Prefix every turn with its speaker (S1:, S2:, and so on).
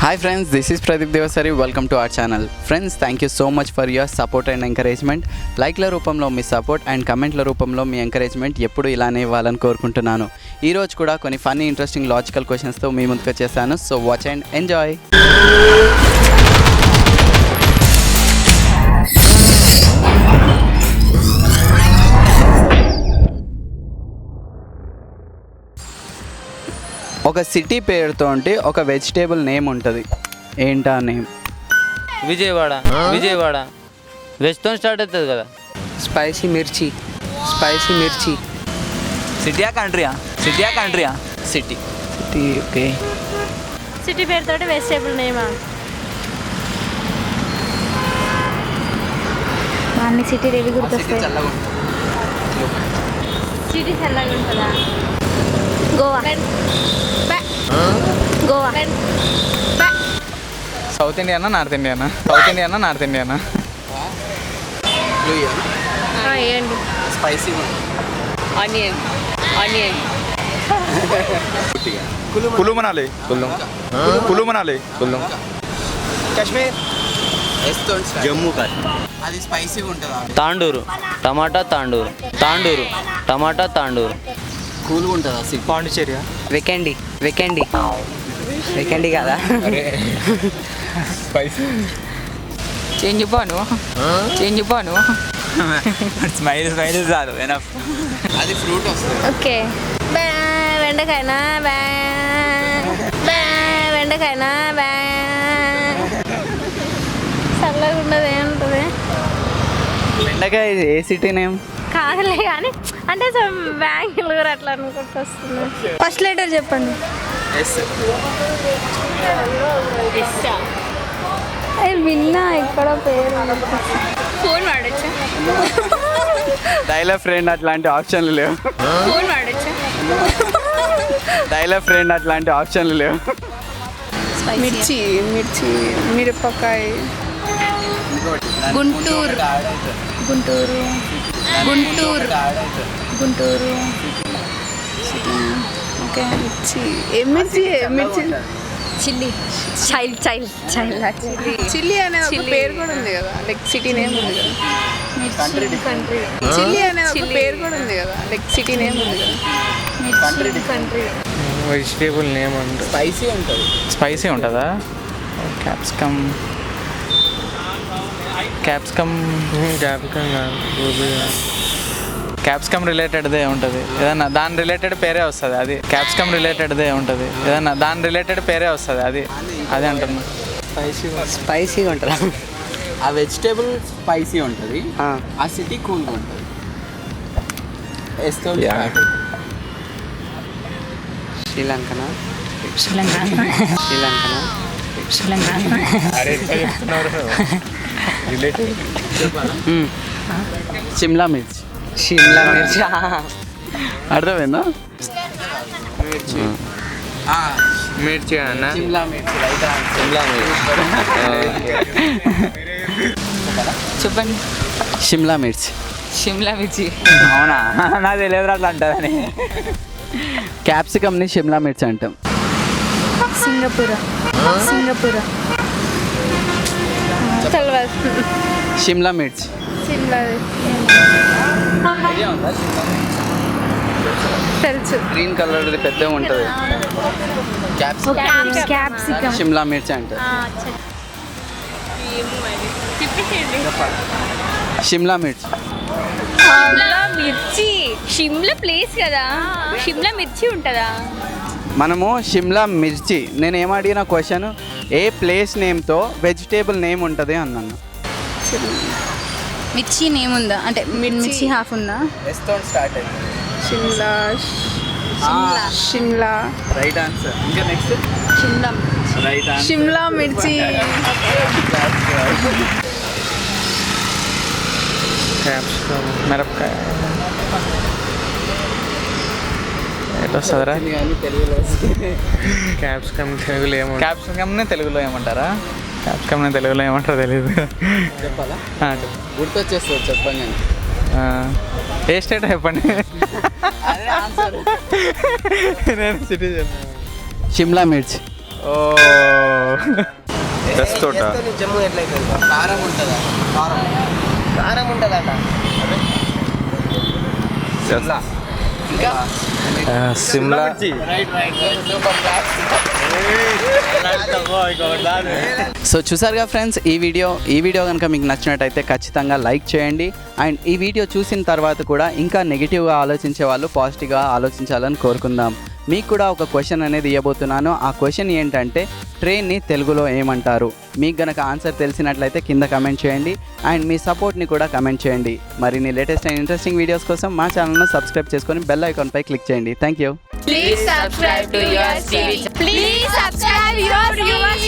S1: Hi friends, this is Pradeep Devasari. Welcome to our channel. Friends, thank you so much for your support and encouragement. లైక్ల రూపంలో మీ support and కమెంట్ల రూపంలో మీ encouragement ఎప్పుడు ఇలానే ఇవ్వాలని కోరుకుంటున్నాను. ఈ రోజు కూడా కొన్ని ఫన్నీ ఇంట్రెస్టింగ్ లాజికల్ క్వశ్చన్స్తో మీ ముందుకు వచ్చేసాను. So watch and enjoy. ఒక సిటీ పేరుతో ఒక వెజిటేబుల్ నేమ్ ఉంటుంది. ఏంటా నేమ్?
S2: విజయవాడ. వెజ్తో స్టార్ట్ అవుతుంది కదా.
S3: స్పైసీ మిర్చి.
S2: సిటీయా కంట్రీయా?
S1: సిటీ.
S3: ఓకే.
S4: సిటీ పేరుతోటి వెజిటేబుల్ నేమా?
S5: అన్ని సిటీ రేవి గుర్తొస్తాయి.
S4: సిటీ చల్లగా ఉంటుందా?
S5: గోవా.
S3: సౌత్ ఇండియానా నార్త్ ఇండియానా?
S4: ఏంటి?
S1: స్పైసీ.
S4: ఆనియన్.
S6: कुल्लू मनाली
S1: కాశ్మీర్. జమ్మూ కాశ్మీర్. అది స్పైసీగా ఉంటుందా?
S2: తాండూరు. టమాటా తాండూరు.
S1: కూల్గా ఉంటుందా? సిటీ.
S3: పాండిచేరియా.
S7: వెకండి కదా.
S3: చేంజ్ పోను.
S2: స్మైల్ చాలు ఎనఫ్.
S1: అది ఫ్రూట్ వస్తుంది.
S4: ఓకే. బెండకాయనా? చల్లగా ఉండదు ఏముంటుంది?
S1: బెండకాయ ఏ సిటీ నేమ్?
S4: కాదులే కానీ అంటే బెంగళూరు అట్లా అనుకుంటూ వస్తుంది.
S5: ఫస్ట్ లెటర్ చెప్పండి. విన్నా ఎక్కడ పేరు.
S4: ఫోన్ వాడచ్చా?
S1: డైలా ఫ్రెండ్ అట్లాంటి ఆప్షన్లు లేవు.
S4: ఫోన్ వాడచ్చా?
S1: డైలా ఫ్రెండ్ అట్లాంటి ఆప్షన్లు లేవు.
S3: మిర్చి మిరపకాయ.
S5: గుంటూరు.
S3: ఓకే. మిర్చి.
S5: చిల్లీ. చైల్డ్
S3: చిల్లీ అనే ఒక పేరు కూడా ఉంది కదా, లైక్ సిటీ నేమ్ ఉంది కదా. చిల్లీ అనే ఒక పేరు కూడా ఉంది కదా, లైక్ సిటీ నేమ్ ఉంది కదా.
S5: కంట్రీ.
S3: వెజిటేబుల్ నేమ్ అంటే స్పైసీ ఉంటుందా? క్యాప్సికమ్ రిలేటెడ్దే ఉంటుంది. ఏదన్నా దాని రిలేటెడ్ పేరే వస్తుంది. అది క్యాప్సికమ్ రిలేటెడ్దే ఉంటుంది. ఏదన్నా దాని రిలేటెడ్ పేరే వస్తుంది. అదే అంటున్నా.
S7: స్పైసీగా ఉంటుందా?
S1: ఆ వెజిటేబుల్ స్పైసీ ఉంటుంది, ఆ సిటీ కూల్గా ఉంటుంది.
S7: శ్రీలంకనా?
S1: షిమ్లా మిర్చి. అర్థమైందా?
S3: మిర్చి అన్న.
S1: షిమ్లా మిర్చి.
S3: చెప్పండి.
S1: షిమ్లా మిర్చి.
S2: అవునా? నాకు తెలియదు అట్లా అంటుందని.
S1: క్యాప్సికమ్ని షిమ్లా మిర్చి అంటాం.
S5: సింగపూర్.
S1: షిమ్లా మిర్చి.
S5: తెలుసు.
S1: గ్రీన్ కలర్ది పెద్దగా ఉంటుంది.
S5: క్యాప్సికమ్.
S1: షిమ్లా మిర్చి అంటారు. షిమ్లా మిర్చి.
S4: షిమ్లా ప్లేస్ కదా, షిమ్లా మిర్చి ఉంటుందా?
S1: మనము షిమ్లా మిర్చి, నేను ఏమడిగిన క్వశ్చన్ ఏ ప్లేస్ నేమ్తో వెజిటేబుల్ నేమ్ ఉంటుంది అన్నాను.
S5: మిర్చి నేమ్ ఉందా? అంటే మిర్చి హాఫ్ ఉందా?
S1: స్టార్ట్ అయింది.
S3: షిమ్లా.
S1: Right answer. ఇంకా నెక్స్ట్ రైట్ ఆన్సర్.
S3: షిమ్లా మిర్చి. క్యాప్సికమ్ మిరపకాయ. ఎట్లా వస్తుందిరా? క్యాప్సికమ్ని తెలుగులో ఏమంటారా? తెలియదు.
S1: చెప్పాలా? గుర్తొచ్చేస్తుంది, చెప్పండి.
S3: ఏ స్టేట్ చెప్పండి.
S1: నేను సిటీ. షిమ్లా మిర్చి.
S3: ఓ
S6: ప్లస్ తోట
S7: జమ్ము ఎట్లయితుంది
S1: కారం ఉంటుందా
S7: కారం ఉంటుందట
S1: ఇంకా
S6: సిమ్లా
S1: సో చూసారుగా ఫ్రెండ్స్, ఈ వీడియో కనుక మీకు నచ్చినట్టయితే ఖచ్చితంగా లైక్ చేయండి. అండ్ ఈ వీడియో చూసిన తర్వాత కూడా ఇంకా నెగిటివ్గా ఆలోచించే వాళ్ళు పాజిటివ్గా ఆలోచించాలని కోరుకుందాం. మీకు కూడా ఒక క్వశ్చన్ అనేది ఇవ్వబోతున్నాను. ఆ క్వశ్చన్ ఏంటంటే ట్రైన్ని తెలుగులో ఏమంటారు? మీకు గనక ఆన్సర్ తెలిసినట్లయితే కింద కమెంట్ చేయండి. అండ్ మీ సపోర్ట్ని కూడా కమెంట్ చేయండి. మరిన్ని లేటెస్ట్ అండ్ ఇంట్రెస్టింగ్ వీడియోస్ కోసం మా ఛానల్ను సబ్స్క్రైబ్ చేసుకొని బెల్ ఐకాన్పై క్లిక్ చేయండి. Thank you.
S4: Please subscribe to your TV. Please subscribe your